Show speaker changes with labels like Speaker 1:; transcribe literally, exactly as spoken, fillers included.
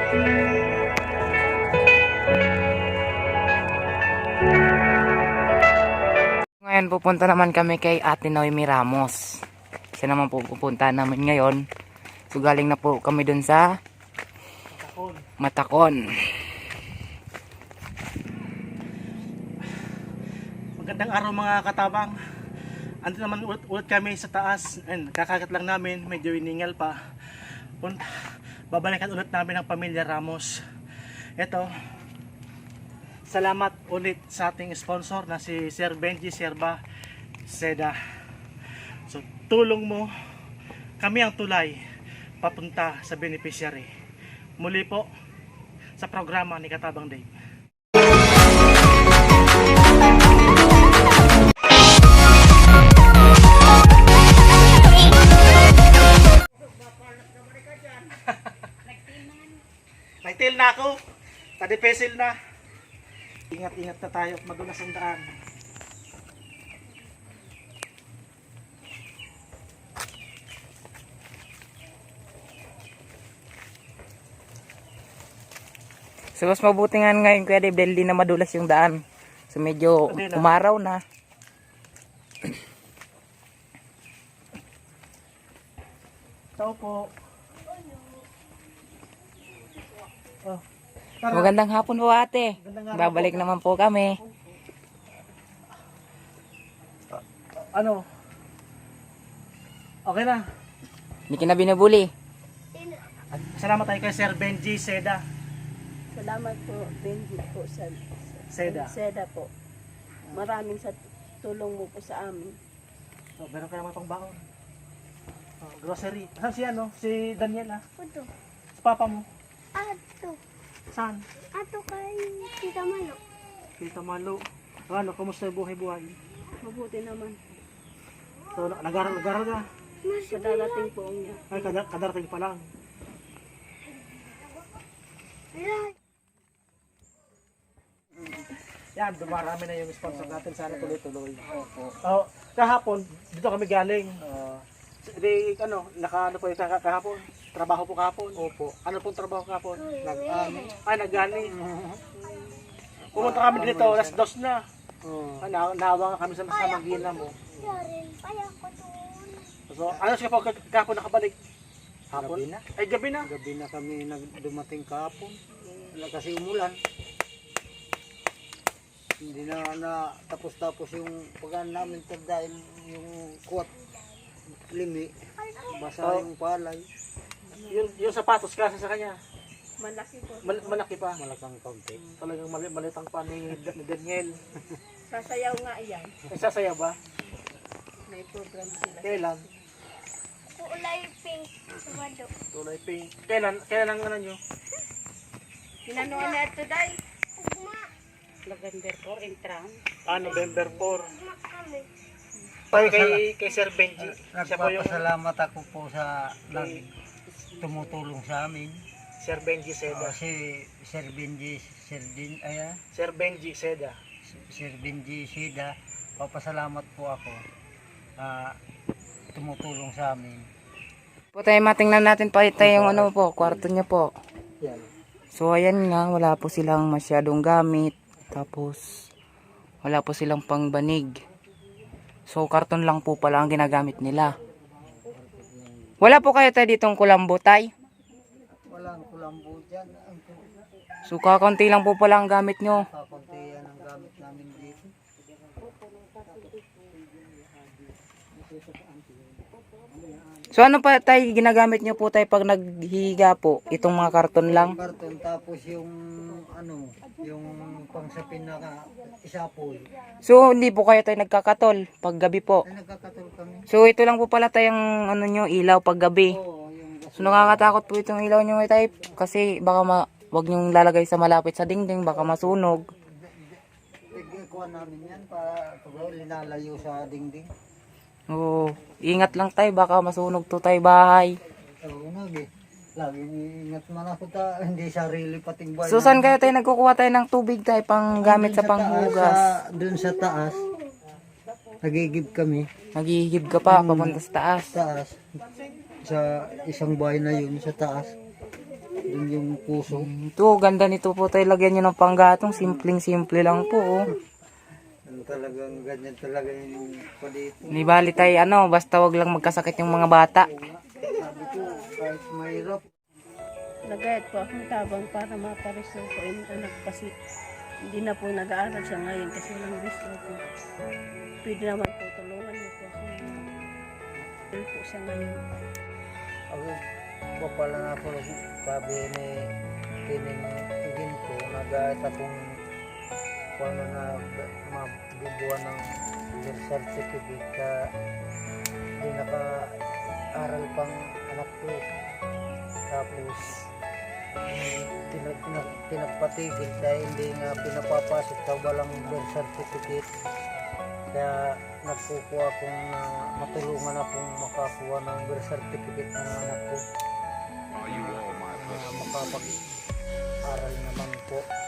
Speaker 1: Ngayon pupunta naman kami kay Ate Noemi Ramos. Siya naman po pupunta namin ngayon. So galing na po kami dun sa Matakon. Matakon.
Speaker 2: Magandang araw mga katabang. Andito naman ulit, ulit kami sa taas. And kakagat lang namin, medyo iningal pa. Punta, babalikan ulit namin ang pamilya Ramos. Ito, salamat ulit sa ating sponsor na si Sir Benji Serba Seda. So tulong mo, kami ang tulay papunta sa beneficiary. Muli po sa programa ni Katabang Dave. Nagtil na ako, tadipesil na. Ingat-ingat na tayo, madulas ang daan.
Speaker 1: So mas mabuti nga ngayon Kuya Dave dahil di na madulas yung daan. So medyo umaraw na.
Speaker 2: Tao po. Oh,
Speaker 1: Magandang hapon po ate.
Speaker 2: Magandang hapon
Speaker 1: Babalik
Speaker 2: po.
Speaker 1: naman po kami.
Speaker 2: Ano? Okay na.
Speaker 1: Hindi ka na binubuli.
Speaker 2: At salamat tayo kay Sir Benji Seda.
Speaker 3: Salamat po, Benji po sa
Speaker 2: Seda.
Speaker 3: Seda po. Maraming sa tulong mo po sa amin.
Speaker 2: Oh, meron ka naman pang baon. Oh, grocery. Saan si ano? Si Daniel ah?
Speaker 4: Ato.
Speaker 2: Si papa mo?
Speaker 4: Ato.
Speaker 2: Saan?
Speaker 4: Ato kay Tita Malo.
Speaker 2: Tita Malo. Ano, kumusta yung buhay-buhay?
Speaker 3: Mabuti naman.
Speaker 2: So, nag-aral-aral ka?
Speaker 3: Sa darating po niya.
Speaker 2: Ay, kadar kadarating pa lang. Yan, dumarami na yung sponsor natin. Sana tuloy-tuloy. Oh, kahapon, dito kami galing. Uh, di, ano, naka, ano po yung kah- kahapon? Trabaho po kahapon? Opo. Ano pong trabaho kahapon? Nag-ani. Ay, nag-ani. Pumunta kami dito, alas dos na. Ah, na nawa nga kami sa sa Magina mo.
Speaker 4: Yarin, kaya ko doon.
Speaker 2: So, ano siya po kah- kahapon nakabalik? Hapon?
Speaker 5: Gabi na.
Speaker 2: Ay, gabi na.
Speaker 5: Gabi na kami nagdumating kahapon. Wala kasi umulan. Hindi na, na tapos-tapos yung pagkaan namin sir, dahil yung kuwat limi. Basa
Speaker 2: Oh.
Speaker 5: yung palay.
Speaker 2: Yung, yung sapatos kasi sa kanya.
Speaker 3: Malaki po.
Speaker 2: Mal malaki pa.
Speaker 5: Malakang kaunti.
Speaker 2: Talagang mali malitang pa ni, ni Daniel.
Speaker 3: Sasayaw nga iyan.
Speaker 2: Ay, sasaya ba?
Speaker 3: May program sila.
Speaker 2: Kailan?
Speaker 4: Kulay pink. Sabado.
Speaker 2: Tulay pink. Kailan? Kailan ang ano nyo?
Speaker 3: Pinanuan na ito dahil.
Speaker 4: Ugma.
Speaker 3: November four, intram.
Speaker 2: Ah, November four.
Speaker 4: Ugma kami.
Speaker 2: Tayo kay, kay Sir Benji. Siya po yung
Speaker 5: Nagpapasalamat ako po sa nag tumutulong sa amin.
Speaker 2: Sir Benji
Speaker 5: Uh,
Speaker 2: Seda.
Speaker 5: si Sir Benji, Sir Din, ay, ah,
Speaker 2: Sir Benji Seda.
Speaker 5: Sir Benji Sida, papasalamat po ako. Ah, tumutulong sa amin.
Speaker 1: Po tayo matingnan natin pa tayo yung ano po, kwarto niya po.
Speaker 5: Yan.
Speaker 1: So ayan nga, wala po silang masyadong gamit. Tapos wala po silang pangbanig. So karton lang po pala ang ginagamit nila. Wala po kayo tayo ditong kulambo tay.
Speaker 5: Walang kulambo dyan. Ang
Speaker 1: So kakaunti lang po pala ang gamit nyo.
Speaker 5: kakunti yan ang gamit namin dito.
Speaker 1: So ano pa tayo ginagamit nyo po tayo pag naghihiga po? Itong mga karton lang.
Speaker 5: Karton, tapos yung ano, yung pangsapin na ka- isapoy.
Speaker 1: So hindi po kayo tayo nagkakatol pag gabi po.
Speaker 5: Ay, nagkakatol kami.
Speaker 1: So ito lang po pala tayong ano nyo, ilaw pag gabi.
Speaker 5: Oo, yung
Speaker 1: So nakakatakot po itong ilaw nyo tayo kasi baka ma wag nyong lalagay sa malapit sa dingding, baka masunog.
Speaker 5: ikuha namin yan para pag linalayo sa dingding.
Speaker 1: Oo, ingat lang tayo, baka masunog to tayo bahay.
Speaker 5: Oo, nagi. Lagi ingat man ako ta, hindi sarili pating buhay.
Speaker 1: So saan kayo tayo nagkukuha tayo ng tubig tayo pang gamit sa panghugas?
Speaker 5: Doon sa taas, nagigib kami.
Speaker 1: Naghihigib ka pa, papunta sa taas.
Speaker 5: Taas. Sa isang bahay na yun, sa taas. Dun yung puso.
Speaker 1: Ito, ganda nito po tayo. Lagyan nyo ng panggatong. Simpleng-simple lang po. Oh.
Speaker 5: Ano talagang ganyan talaga yung palito.
Speaker 1: Ni bali tayo, ano, basta wag lang magkasakit yung mga bata.
Speaker 5: Sabi ko, kahit mahirap.
Speaker 3: Nagayat po akong tabang para mapareso ko yung anak kasi hindi na po nag-aaral siya ngayon kasi walang gusto po. Pwede naman po tulungan niyo po ako. Pwede po siya ngayon.
Speaker 5: Ako, papala na ako, sabi ni Tining Igin ko, nag-aayat akong paano na mabibuan ng birth certificate ka hindi naka-aral pang anak ko. Tapos, tinag, tinag, tinagpatigil dahil hindi nga pinapapasok sa walang birth certificate. Kaya nagkukuha akong na matulungan akong makakuha ng birth certificate ng anak ko. Na makapag-aral naman po.